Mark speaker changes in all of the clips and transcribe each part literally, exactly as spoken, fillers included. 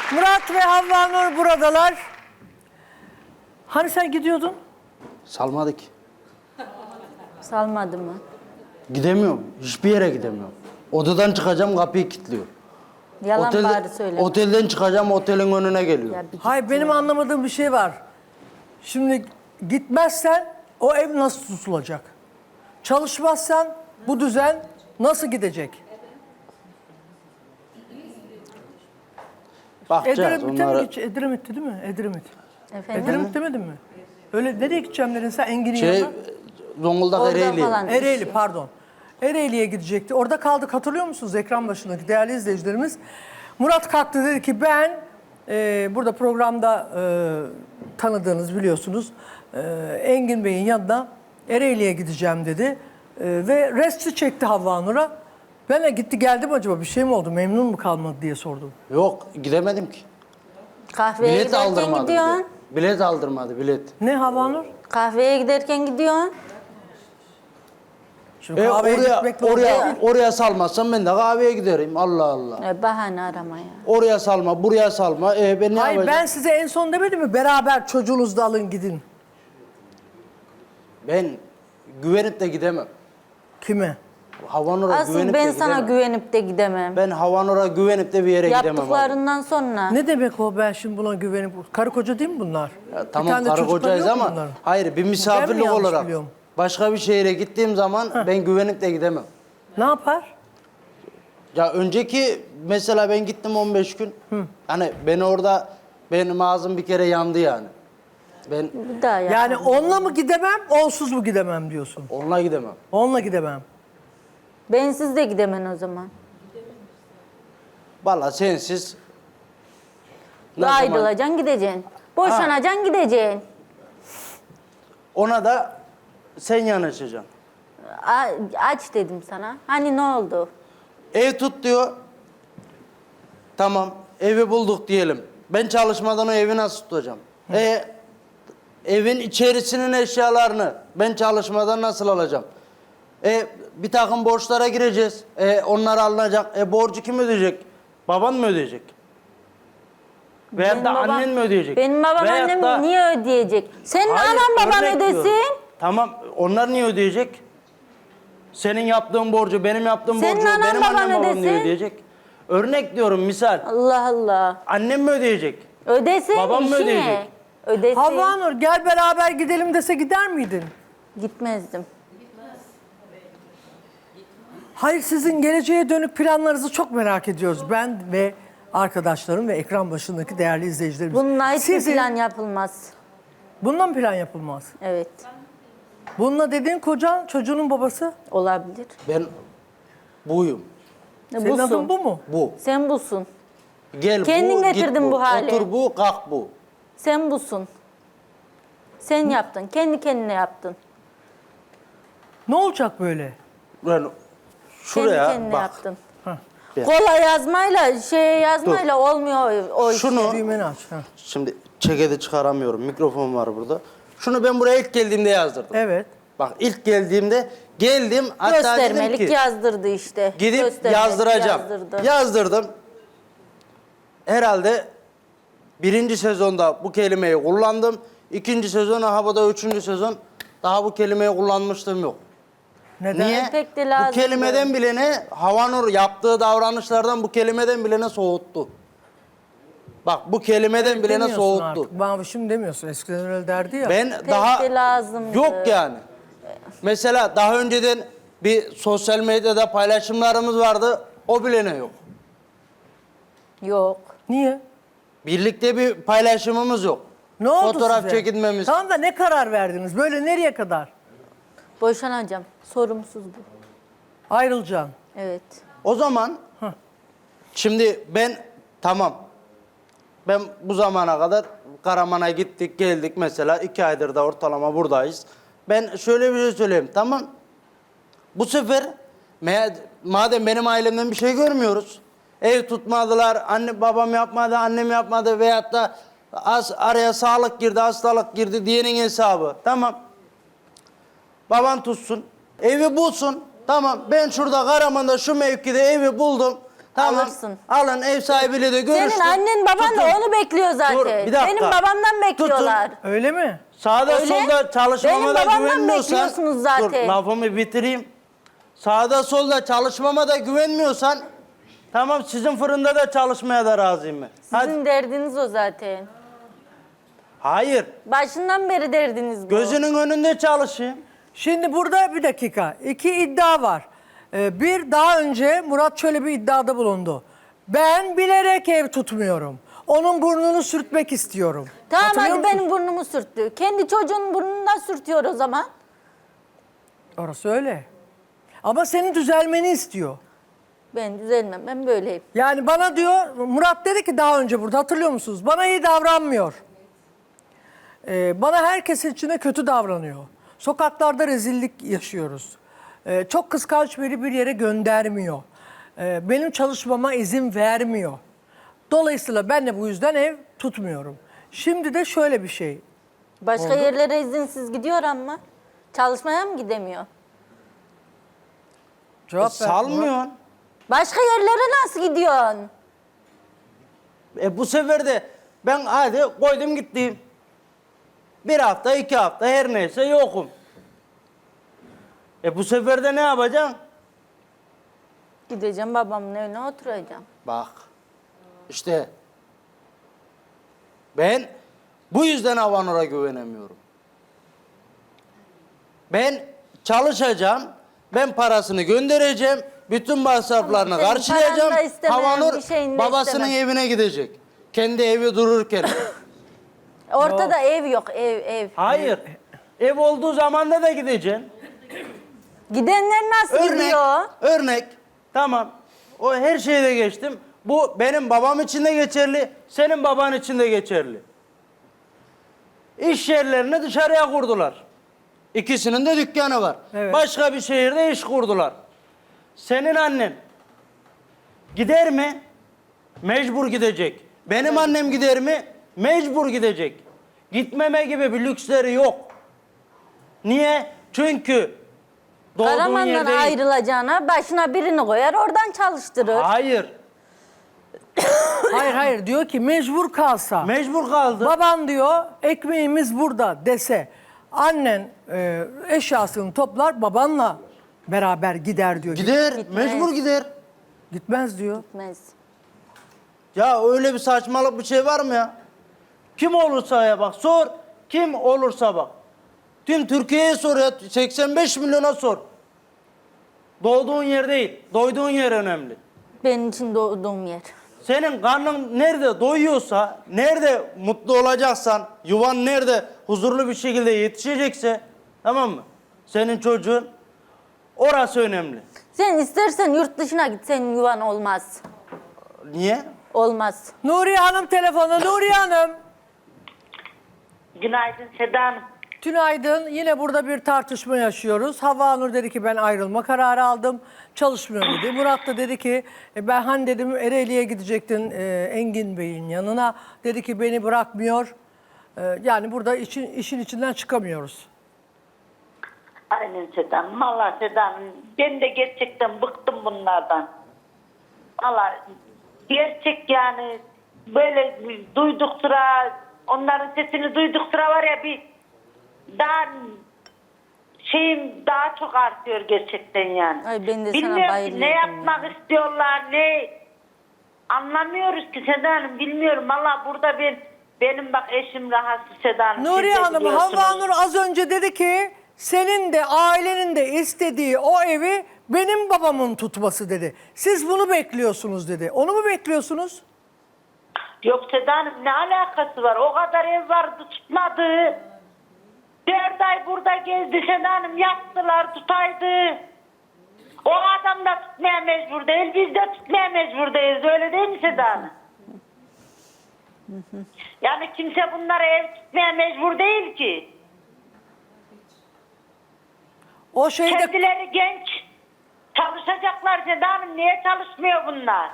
Speaker 1: Murat ve Havva Nur buradalar. Hani sen gidiyordun?
Speaker 2: Salmadık.
Speaker 3: Salmadı mı?
Speaker 2: Gidemiyorum. Hiçbir yere gidemiyorum. Odadan çıkacağım, kapıyı kilitliyor.
Speaker 3: Yalan
Speaker 2: Otelde-
Speaker 3: bari söyleme.
Speaker 2: Otelden çıkacağım, otelin önüne geliyor.
Speaker 3: Ya bir
Speaker 1: Hayır,
Speaker 3: git
Speaker 1: benim
Speaker 3: ya.
Speaker 1: anlamadığım bir şey var. Şimdi gitmezsen o ev nasıl tutulacak? Çalışmazsan bu düzen nasıl gidecek?
Speaker 2: Bakacağız
Speaker 1: Edremit'e mi
Speaker 2: onlara.
Speaker 1: geç? Edremit'ti değil mi? Edremit.
Speaker 3: Efendim?
Speaker 1: Edremit demedin mi? Öyle nereye gideceğim dedin sen Engin'in
Speaker 2: Şey,
Speaker 1: yanına?
Speaker 2: Zonguldak
Speaker 3: Orada
Speaker 2: Ereğli.
Speaker 3: falan.
Speaker 1: Ereğli pardon. Ereğli'ye gidecekti. Orada kaldık, hatırlıyor musunuz ekran başındaki değerli izleyicilerimiz? Murat kalktı, dedi ki ben e, burada programda e, tanıdığınız biliyorsunuz e, Engin Bey'in yanına Ereğli'ye gideceğim dedi. E, ve resti çekti Havva Nur'a. Ben de gitti geldim, acaba bir şey mi oldu, memnun mu kalmadı diye sordum.
Speaker 2: Yok, gidemedim ki.
Speaker 3: Kahveye
Speaker 2: Bilet
Speaker 3: giderken
Speaker 2: aldırmadı.
Speaker 3: gidiyorsun.
Speaker 2: Bilet. bilet aldırmadı, bilet.
Speaker 1: Ne Havva Nur?
Speaker 3: Kahveye giderken gidiyorsun.
Speaker 1: Şimdi
Speaker 2: E,
Speaker 1: kahveye
Speaker 2: oraya,
Speaker 1: gitmek doğru
Speaker 2: oraya,
Speaker 1: değil.
Speaker 2: oraya salmazsam ben de kahveye giderim. Allah Allah.
Speaker 3: E, bahane arama ya.
Speaker 2: Oraya salma, buraya salma. E, ben ne
Speaker 1: Hayır,
Speaker 2: yapacağım?
Speaker 1: ben size en son demedim mi beraber çocuğunuzu da alın gidin.
Speaker 2: Ben güvenip de gidemem.
Speaker 1: Kime?
Speaker 2: Havanur'a
Speaker 3: Asıl
Speaker 2: güvenip
Speaker 3: ben
Speaker 2: de
Speaker 3: sana
Speaker 2: gidemem.
Speaker 3: güvenip de gidemem.
Speaker 2: Ben Havanur'a güvenip de bir yere gidemem. abi.
Speaker 3: Yaptıklarından sonra.
Speaker 1: Ne demek o, ben şimdi buna güvenip... Karı koca değil mi bunlar?
Speaker 2: Ya,
Speaker 1: Bir
Speaker 2: tamam
Speaker 1: tane de
Speaker 2: karı
Speaker 1: çocukları
Speaker 2: kocayız
Speaker 1: yok mu
Speaker 2: ama
Speaker 1: bunların?
Speaker 2: hayır, bir
Speaker 1: Ben mi
Speaker 2: misafirlik
Speaker 1: yanlış
Speaker 2: olarak
Speaker 1: biliyorum?
Speaker 2: başka bir şehire gittiğim zaman ben güvenip de gidemem.
Speaker 1: Ne yapar?
Speaker 2: Ya önceki mesela ben gittim on beş gün. Hani ben orada benim ağzım bir kere yandı yani. Ben
Speaker 3: Bir daha yap.
Speaker 1: Yani onunla mı gidemem, onsuz mu gidemem diyorsun?
Speaker 2: onunla gidemem.
Speaker 1: Onunla gidemem.
Speaker 3: Bensiz de gidemen o zaman.
Speaker 2: Vallahi sensiz ne zaman-
Speaker 3: Ayrılacaksın gideceksin. Boşanacaksın gideceksin.
Speaker 2: ona da sen yanaşacaksın.
Speaker 3: A- aç dedim sana. Hani ne oldu?
Speaker 2: Ev tut diyor. Tamam, evi bulduk diyelim. Ben çalışmadan o evi nasıl tutacağım? E, evin içerisinin eşyalarını ben çalışmadan nasıl alacağım? E, bir takım borçlara gireceğiz. E, onlar alınacak. E, borcu kim ödeyecek? Baban mı ödeyecek? Veyahut
Speaker 3: Benim
Speaker 2: da
Speaker 3: babam-
Speaker 2: annen mi ödeyecek?
Speaker 3: Benim babam
Speaker 2: Veyahut
Speaker 3: annem
Speaker 2: da-
Speaker 3: niye ödeyecek? Senin
Speaker 2: Hayır,
Speaker 3: anan baban
Speaker 2: örnek
Speaker 3: ödesin.
Speaker 2: diyorum. Tamam, onlar niye ödeyecek? Senin yaptığın borcu, benim yaptığım
Speaker 3: Senin
Speaker 2: borcu,
Speaker 3: anan
Speaker 2: benim
Speaker 3: baban
Speaker 2: annem babam niye
Speaker 3: ödesin.
Speaker 2: ödeyecek? Örnek diyorum, misal.
Speaker 3: Allah Allah.
Speaker 2: Annem mi ödeyecek?
Speaker 3: Ödesin,
Speaker 2: Babam mı
Speaker 3: işi
Speaker 2: ödeyecek?
Speaker 3: ne? Ödesin.
Speaker 1: Havva Nur, gel beraber gidelim dese gider miydin?
Speaker 3: Gitmezdim.
Speaker 1: Hayır, sizin geleceğe dönük planlarınızı çok merak ediyoruz. Ben ve arkadaşlarım ve ekran başındaki değerli izleyicilerimiz.
Speaker 3: Bununla hiçbir
Speaker 1: Sizin,
Speaker 3: plan yapılmaz.
Speaker 1: Bununla mı plan yapılmaz?
Speaker 3: Evet.
Speaker 1: Bununla dediğin kocan, çocuğunun babası.
Speaker 3: Olabilir.
Speaker 2: Ben buyum.
Speaker 1: Senin
Speaker 3: Busun.
Speaker 1: adın bu mu?
Speaker 2: Bu.
Speaker 3: Sen busun.
Speaker 2: Gel
Speaker 3: Kendin
Speaker 2: bu,
Speaker 3: getirdin
Speaker 2: git
Speaker 3: bu hale.
Speaker 2: Otur bu, kalk bu.
Speaker 3: Sen busun. Sen yaptın. Kendi kendine yaptın.
Speaker 1: Ne olacak böyle?
Speaker 2: Ben şuraya
Speaker 3: Kendi kendine
Speaker 2: bak.
Speaker 3: yaptın.
Speaker 2: Gel.
Speaker 3: Kola yazmayla, şey yazmayla olmuyor o, o iş.
Speaker 2: Şunu,
Speaker 1: Düğmeni aç. Ha.
Speaker 2: şimdi çekedi çıkaramıyorum. Mikrofon var burada. Şunu ben buraya ilk geldiğimde yazdırdım.
Speaker 1: Evet.
Speaker 2: Bak ilk geldiğimde geldim, hatta dedim
Speaker 3: Göstermelik
Speaker 2: ki
Speaker 3: yazdırdı işte.
Speaker 2: gidip
Speaker 3: Göstermelik
Speaker 2: yazdıracağım.
Speaker 3: yazdırdı.
Speaker 2: Yazdırdım. Herhalde birinci sezonda bu kelimeyi kullandım. İkinci sezon, aha da üçüncü sezon daha bu kelimeyi kullanmıştım yok.
Speaker 1: Neden?
Speaker 2: Niye?
Speaker 3: Pek de
Speaker 2: Bu
Speaker 3: lazım
Speaker 2: kelimeden bilene, Havanur yaptığı davranışlardan bu kelimeden bilene soğuttu. Bak bu kelimeden bilene
Speaker 1: Demiyorsun
Speaker 2: soğuttu.
Speaker 1: artık. Bana şimdi demiyorsun. Eskiden öyle derdi ya.
Speaker 2: Ben
Speaker 3: Pek
Speaker 2: daha
Speaker 3: de lazımdı.
Speaker 2: yok yani. Mesela daha önceden bir sosyal medyada paylaşımlarımız vardı. O bilene yok.
Speaker 3: Yok.
Speaker 1: Niye?
Speaker 2: Birlikte bir paylaşımımız yok.
Speaker 1: Ne oldu
Speaker 2: Fotoğraf
Speaker 1: size?
Speaker 2: çekinmemiz.
Speaker 1: Tamam da ne karar verdiniz? Böyle nereye kadar?
Speaker 3: Boşanacağım. Sorumsuz bu.
Speaker 1: Ayrılacaksın.
Speaker 3: Evet.
Speaker 2: O zaman
Speaker 1: Hah.
Speaker 2: şimdi ben tamam. Ben bu zamana kadar Karaman'a gittik geldik mesela iki aydır da ortalama buradayız. Ben şöyle bir şey söyleyeyim, tamam. Bu sefer me- madem benim ailemden bir şey görmüyoruz. Ev tutmadılar, anne babam yapmadı, annem yapmadı veyahut da az araya sağlık girdi, hastalık girdi diyenin hesabı. Tamam. Baban tutsun, evi bulsun. Tamam, ben şurada Karaman'da şu mevkide evi buldum. Tamam.
Speaker 3: Alırsın.
Speaker 2: Alın, ev sahibiyle de görüştüm.
Speaker 3: Senin annen baban da
Speaker 2: Tutun.
Speaker 3: onu bekliyor zaten.
Speaker 2: Dur, bir dakika.
Speaker 3: Benim babamdan bekliyorlar.
Speaker 1: Öyle mi?
Speaker 2: Sağda
Speaker 3: Öyle.
Speaker 2: solda çalışmama
Speaker 3: Benim
Speaker 2: da
Speaker 3: babamdan
Speaker 2: güvenmiyorsan...
Speaker 3: bekliyorsunuz zaten.
Speaker 2: Dur, lafımı bitireyim. Sağda solda çalışmama da güvenmiyorsan... Tamam, sizin fırında da çalışmaya da razıyım ben. Hadi.
Speaker 3: Sizin derdiniz o zaten.
Speaker 2: Hayır.
Speaker 3: Başından beri derdiniz bu.
Speaker 2: Gözünün önünde çalışayım.
Speaker 1: Şimdi burada bir dakika. İki iddia var. Ee, bir, daha önce Murat şöyle bir iddiada bulundu. Ben bilerek ev tutmuyorum. Onun burnunu sürtmek istiyorum.
Speaker 3: Tamam
Speaker 1: Hatırlıyor
Speaker 3: hadi
Speaker 1: musun?
Speaker 3: benim burnumu sürttü. Kendi çocuğunun burnundan sürtüyor o zaman.
Speaker 1: Orası öyle. Ama senin düzelmeni istiyor.
Speaker 3: Ben düzelmem, ben böyleyim.
Speaker 1: Yani bana diyor, Murat dedi ki daha önce burada, hatırlıyor musunuz? Bana iyi davranmıyor. Ee, bana herkesin içinde kötü davranıyor. Sokaklarda rezillik yaşıyoruz. Ee, çok kıskanç biri bir yere göndermiyor. Ee, benim çalışmama izin vermiyor. Dolayısıyla ben de bu yüzden ev tutmuyorum. Şimdi de şöyle bir şey.
Speaker 3: Başka yerlere izinsiz gidiyor ama çalışmaya mı gidemiyor?
Speaker 1: Cevap
Speaker 2: E,
Speaker 1: ver.
Speaker 2: salmıyorsun.
Speaker 3: Başka yerlere nasıl gidiyorsun?
Speaker 2: E bu sefer de ben hadi koydum gittim. Bir hafta, iki hafta her neyse yokum. E bu sefer de ne yapacaksın?
Speaker 3: Gideceğim babamın evine oturacağım.
Speaker 2: Bak işte ben bu yüzden Havanur'a güvenemiyorum. Ben çalışacağım, ben parasını göndereceğim, bütün masraflarını
Speaker 3: Senin
Speaker 2: karşılayacağım.
Speaker 3: paranı da istemem,
Speaker 2: Havanur
Speaker 3: bir şeyini de
Speaker 2: babasının
Speaker 3: istemem.
Speaker 2: evine gidecek. Kendi evi dururken.
Speaker 3: Ortada ev yok, ev, ev.
Speaker 2: Hayır. Ev olduğu zamanda da gideceksin.
Speaker 3: Gidenler nasıl
Speaker 2: Örnek,
Speaker 3: gidiyor?
Speaker 2: örnek. Tamam. O her şeyi de geçtim. Bu benim babam için de geçerli, senin baban için de geçerli. İş yerlerini dışarıya kurdular. İkisinin de dükkanı var.
Speaker 1: Evet.
Speaker 2: Başka bir şehirde iş kurdular. Senin annen gider mi? Mecbur gidecek. Benim annem gider mi? Mecbur gidecek. Gitmeme gibi bir lüksleri yok. Niye? Çünkü doğduğun
Speaker 3: Karaman'dan
Speaker 2: yer değil.
Speaker 3: ayrılacağına başına birini koyar oradan çalıştırır.
Speaker 2: Hayır.
Speaker 1: Hayır hayır, diyor ki mecbur kalsa.
Speaker 2: Mecbur kaldı.
Speaker 1: Baban diyor ekmeğimiz burada dese, annen e, eşyasını toplar babanla beraber gider diyor.
Speaker 2: Gider.
Speaker 3: Gitmez.
Speaker 2: Mecbur gider.
Speaker 1: Gitmez diyor.
Speaker 3: Gitmez.
Speaker 2: Ya öyle bir saçmalık bir şey var mı ya? Kim olursa ya bak sor. Kim olursa bak. Tüm Türkiye'ye sor ya. seksen beş milyona sor. Doğduğun yer değil. Doyduğun yer önemli.
Speaker 3: Benim için doğduğum yer.
Speaker 2: Senin karnın nerede doyuyorsa, nerede mutlu olacaksan, yuvan nerede huzurlu bir şekilde yetişecekse, tamam mı? Senin çocuğun, orası önemli.
Speaker 3: Sen istersen yurt dışına git, senin yuvan olmaz.
Speaker 2: Niye?
Speaker 3: Olmaz.
Speaker 1: Nuriye Hanım telefonda. Nuriye Hanım.
Speaker 4: Günaydın Seda Hanım.
Speaker 1: Tünaydın. Yine burada bir tartışma yaşıyoruz. Havva Nur dedi ki ben ayrılma kararı aldım. Çalışmıyor dedi. Murat da dedi ki e, ben hani dedim Ereğli'ye gidecektin e, Engin Bey'in yanına. Dedi ki beni bırakmıyor. E, yani burada işin, işin içinden çıkamıyoruz.
Speaker 4: Aynen Seda Hanım. Valla Seda Hanım, ben de gerçekten bıktım bunlardan. Valla gerçek yani böyle duyduk sıra, onların sesini duyduk sıra var ya bir daha şeyim daha çok artıyor gerçekten yani.
Speaker 3: Ay ben de sana
Speaker 4: Bilmiyorum ki
Speaker 3: bayılıyordum
Speaker 4: ne
Speaker 3: ya.
Speaker 4: yapmak istiyorlar, ne anlamıyoruz ki Seda Hanım, bilmiyorum. Valla burada ben, benim bak eşim rahatsız Seda Hanım. siz
Speaker 1: Nuriye
Speaker 4: de
Speaker 1: Hanım,
Speaker 4: biliyorsunuz.
Speaker 1: Havva Nur az önce dedi ki senin de ailenin de istediği o evi benim babamın tutması dedi. Siz bunu bekliyorsunuz dedi. Onu mu bekliyorsunuz?
Speaker 4: Yok Seda Hanım, ne alakası var? O kadar ev vardı tutmadı. Dört ay burada gezdi Seda Hanım, yaptılar tutaydı. O adam da tutmaya mecbur değil, biz de tutmaya mecburdayız, öyle değil mi Seda Hanım? Yani kimse bunlara ev tutmaya mecbur değil ki.
Speaker 1: O şeyde
Speaker 4: Kendileri genç, çalışacaklar Seda Hanım, niye çalışmıyor bunlar?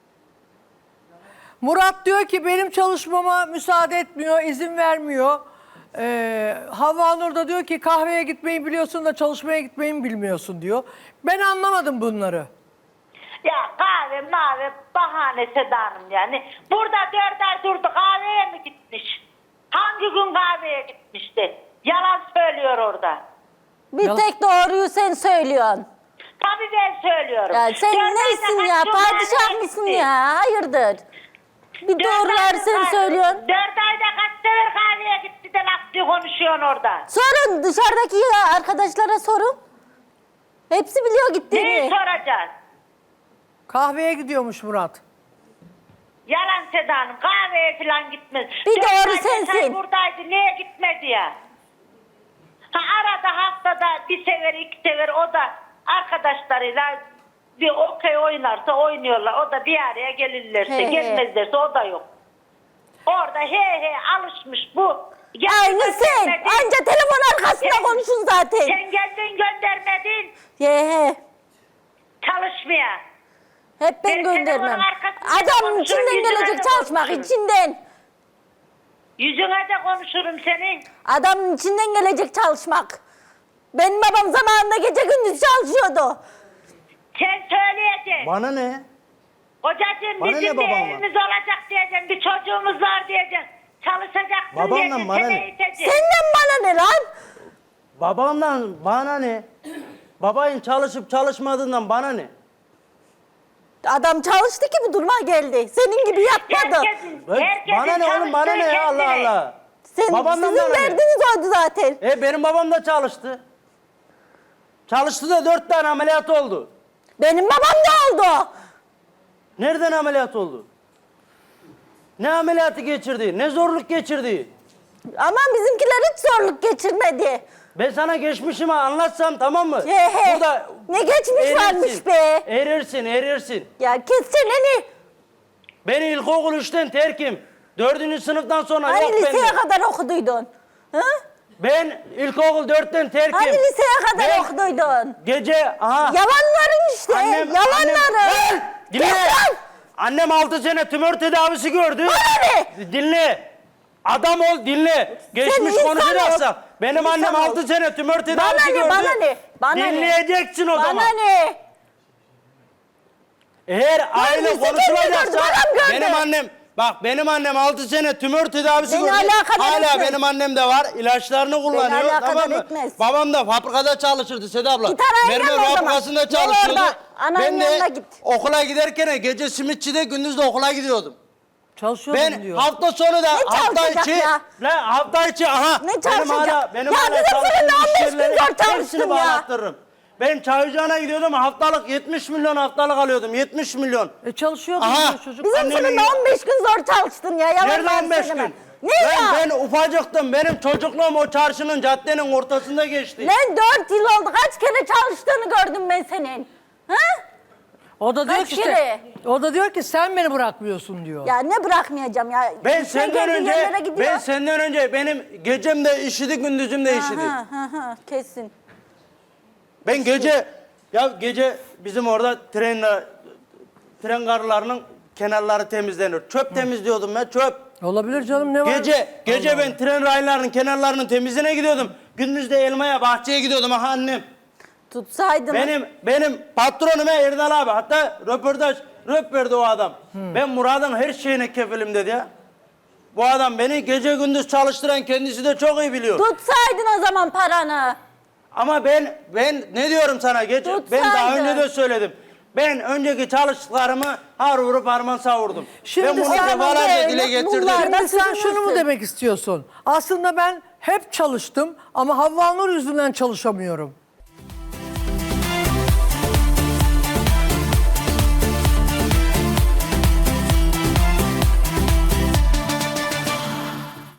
Speaker 1: Murat diyor ki benim çalışmama müsaade etmiyor, izin vermiyor. Ee, Havva Nur da diyor ki kahveye gitmeyi biliyorsun da çalışmaya gitmeyi mi bilmiyorsun diyor. Ben anlamadım bunları.
Speaker 4: Ya kahve mavi bahane Seda Hanım yani. Burada dört ay durdu, kahveye mi gitmiş? Hangi gün kahveye gitmişti? Yalan söylüyor orada.
Speaker 3: Bir
Speaker 1: Yalan-
Speaker 3: tek doğruyu sen söylüyorsun.
Speaker 4: Tabii ben söylüyorum.
Speaker 3: Ya sen
Speaker 4: Dört ayda
Speaker 3: neysin ya?
Speaker 4: kaç gün
Speaker 3: Padişah
Speaker 4: kahveye
Speaker 3: mısın
Speaker 4: gitti?
Speaker 3: ya? Hayırdır? Bir
Speaker 4: Dört
Speaker 3: doğruları
Speaker 4: ayda
Speaker 3: sen
Speaker 4: kahve-
Speaker 3: söylüyorsun.
Speaker 4: Dört ayda kaç sefer kahveye gitti de laf diye konuşuyorsun orada.
Speaker 3: Sorun dışarıdaki ya arkadaşlara sorun. Hepsi biliyor
Speaker 4: Neyi
Speaker 3: gittiğini.
Speaker 4: soracağız?
Speaker 1: Kahveye gidiyormuş Murat.
Speaker 4: Yalan Seda Hanım, kahveye falan gitmez.
Speaker 3: Bir
Speaker 4: Dört
Speaker 3: doğru
Speaker 4: ay beş ay
Speaker 3: sensin.
Speaker 4: buradaydı, niye gitmedi ya? Ha, arada haftada bir sefer iki sefer o da arkadaşlarıyla bir okey oynarsa oynuyorlar. O da bir araya gelirlerse,
Speaker 3: He he.
Speaker 4: gelmezlerse o da yok. Orada he he alışmış bu.
Speaker 3: Aynı
Speaker 4: Geldin
Speaker 3: sen.
Speaker 4: göndermedin.
Speaker 3: Anca telefon arkasında
Speaker 4: Sen-
Speaker 3: konuşun zaten.
Speaker 4: Sen geldin göndermedin
Speaker 3: Ye he.
Speaker 4: çalışmaya.
Speaker 3: Hep ben
Speaker 4: Ben telefonun
Speaker 3: göndermem.
Speaker 4: arkasında
Speaker 3: Adamın
Speaker 4: konuşurum,
Speaker 3: içinden
Speaker 4: yüzüne
Speaker 3: gelecek
Speaker 4: de
Speaker 3: çalışmak
Speaker 4: konuşurum.
Speaker 3: içinden.
Speaker 4: Yüzüne de konuşurum senin.
Speaker 3: Adamın içinden gelecek çalışmak. Benim babam zamanında gece gündüz çalışıyordu.
Speaker 4: Sen söyleyeceksin.
Speaker 2: Bana ne?
Speaker 4: Kocacığım
Speaker 2: Bana ne
Speaker 4: bizim bir
Speaker 2: babamla?
Speaker 4: evimiz olacak diyeceksin. Bir çocuğumuz var diyeceksin. Çalışacaksın
Speaker 2: Babamla
Speaker 4: diyeceksin.
Speaker 2: bana
Speaker 4: Seni
Speaker 2: ne?
Speaker 4: eğiteceksin.
Speaker 3: Senden bana ne lan?
Speaker 2: Babamdan bana ne? Babayın çalışıp çalışmadığından bana ne?
Speaker 3: Adam çalıştı ki bu duruma geldi. Senin gibi yapmadı.
Speaker 4: Herkesin,
Speaker 2: Ben-
Speaker 4: herkesin
Speaker 2: bana ne oğlum bana ne ya Allah
Speaker 4: çalıştığı
Speaker 2: Allah.
Speaker 3: Sen,
Speaker 2: Babamdan
Speaker 3: sizin
Speaker 2: bana ne?
Speaker 3: derdiniz oydu zaten.
Speaker 2: E benim babam da çalıştı. Çalıştı da dört tane ameliyat oldu.
Speaker 3: Benim babam da oldu.
Speaker 2: Nereden ameliyat oldu? Ne ameliyatı geçirdi? Ne zorluk geçirdi?
Speaker 3: Ama bizimkiler hiç zorluk geçirmedi.
Speaker 2: Ben sana geçmişimi anlatsam tamam mı?
Speaker 3: He he.
Speaker 2: Burada
Speaker 3: Ne geçmiş
Speaker 2: erirsin,
Speaker 3: varmış be.
Speaker 2: Erirsin, erirsin.
Speaker 3: Ya kes çeneni.
Speaker 2: Ben ilkokul üçten terkim. Dördüncü sınıftan sonra
Speaker 3: Hani
Speaker 2: yok
Speaker 3: liseye
Speaker 2: bende.
Speaker 3: kadar okuduydun? Hı?
Speaker 2: Ben ilkokul dörtten terkim.
Speaker 3: Hani liseye kadar
Speaker 2: Ben
Speaker 3: okuduydun?
Speaker 2: Gece, aha.
Speaker 3: Yalanların işte, yalanların.
Speaker 2: Annem, dinle.
Speaker 3: Kes lan!
Speaker 2: Annem altı sene tümör tedavisi gördü.
Speaker 3: Bana ne?
Speaker 2: Dinle. Adam ol, dinle. Geçmiş
Speaker 3: insan
Speaker 2: konuşacaksak.
Speaker 3: ol.
Speaker 2: Benim
Speaker 3: İnsan
Speaker 2: annem
Speaker 3: ol.
Speaker 2: altı sene tümör tedavisi
Speaker 3: Bana ne,
Speaker 2: gördü.
Speaker 3: bana ne? Bana ne?
Speaker 2: Dinleyeceksin o
Speaker 3: Bana
Speaker 2: zaman.
Speaker 3: ne?
Speaker 2: Eğer aile
Speaker 3: birisi kendini
Speaker 2: konuşulacaksa
Speaker 3: gördü, bana mı gördü?
Speaker 2: benim annem bak benim annem altı sene tümör tedavisi
Speaker 3: Beni
Speaker 2: gördü.
Speaker 3: alakadar
Speaker 2: Hala
Speaker 3: etmez.
Speaker 2: benim annem de var. İlaçlarını kullanıyor.
Speaker 3: alakadar
Speaker 2: Tamam mı?
Speaker 3: etmez.
Speaker 2: Babam da fabrikada çalışırdı Seda abla.
Speaker 3: Git arayın
Speaker 2: Mermer
Speaker 3: o zaman.
Speaker 2: fabrikasında
Speaker 3: Gel
Speaker 2: çalışıyordu.
Speaker 3: orada, ananın
Speaker 2: Ben de
Speaker 3: yanına git.
Speaker 2: okula giderken gece simitçide gündüz de okula gidiyordum.
Speaker 1: Çalışıyordum
Speaker 2: Ben
Speaker 1: diyor.
Speaker 2: hafta sonu da hafta
Speaker 3: çalışacak
Speaker 2: içi
Speaker 3: ya?
Speaker 2: ne hafta içi aha
Speaker 3: Ne
Speaker 2: benim
Speaker 3: çalışacak?
Speaker 2: hala benim
Speaker 3: Ya
Speaker 2: hala
Speaker 3: kızım seninle
Speaker 2: çalıştığım
Speaker 3: on beş
Speaker 2: iş
Speaker 3: gün
Speaker 2: yerleri
Speaker 3: zor
Speaker 2: hepsini
Speaker 3: çalıştın ya.
Speaker 2: bağlattırırım. Ben Çayırcağına gidiyordum haftalık yetmiş milyon haftalık alıyordum yetmiş milyon.
Speaker 1: E çalışıyordum
Speaker 2: Aha.
Speaker 1: diyor çocuk.
Speaker 3: Bizim
Speaker 2: Annemin-
Speaker 3: sınıfta on beş gün zor çalıştın ya. Yalan
Speaker 2: Nerede on beş
Speaker 3: söyleme.
Speaker 2: gün?
Speaker 3: Ne
Speaker 2: ben,
Speaker 3: ya?
Speaker 2: ben ufacıktım. Benim çocukluğum o çarşının caddenin ortasında geçti.
Speaker 3: Lan dört yıl oldu. Kaç kere çalıştığını gördüm ben senin. Ha?
Speaker 1: O da diyor
Speaker 3: Kaç
Speaker 1: ki işte,
Speaker 3: kere?
Speaker 1: o da diyor ki sen beni bırakmıyorsun diyor.
Speaker 3: Ya ne bırakmayacağım ya.
Speaker 2: Ben
Speaker 3: Sen
Speaker 2: senden
Speaker 3: kendi
Speaker 2: önce
Speaker 3: yerlere gidiyor.
Speaker 2: ben senden önce benim gecem de işidi gündüzüm de işidi.
Speaker 3: Ha, ha, ha, kesin.
Speaker 2: Ben gece ya gece bizim orada trenle tren garlarının kenarları temizlenir. Çöp temizliyordum ben çöp.
Speaker 1: Olabilir canım ne var?
Speaker 2: Gece gece ben tren raylarının kenarlarının temizliğine gidiyordum. Gündüz de elmaya bahçeye gidiyordum aha annem.
Speaker 3: Tutsaydın.
Speaker 2: Benim benim patronum Erdal abi. Hatta röportaj röp verdi o adam. Ben Murat'ın her şeyine kefilim dedi ya. Bu adam beni gece gündüz çalıştıran kendisi de çok iyi biliyor.
Speaker 3: Tutsaydın o zaman paranı.
Speaker 2: Ama ben ben ne diyorum sana gece ben daha
Speaker 3: Tutsaydın.
Speaker 2: önce de söyledim. Ben önceki çalıştıklarımı har vurup harman savurdum.
Speaker 1: Şimdi
Speaker 2: ben bunu
Speaker 1: sen
Speaker 2: defalarca
Speaker 3: böyle
Speaker 2: dile getirdim.
Speaker 3: bunlar-
Speaker 1: Şimdi sen
Speaker 3: Nasıl
Speaker 1: şunu mu
Speaker 3: bilirsin?
Speaker 1: demek istiyorsun? Aslında ben hep çalıştım ama Havva Nur yüzünden çalışamıyorum.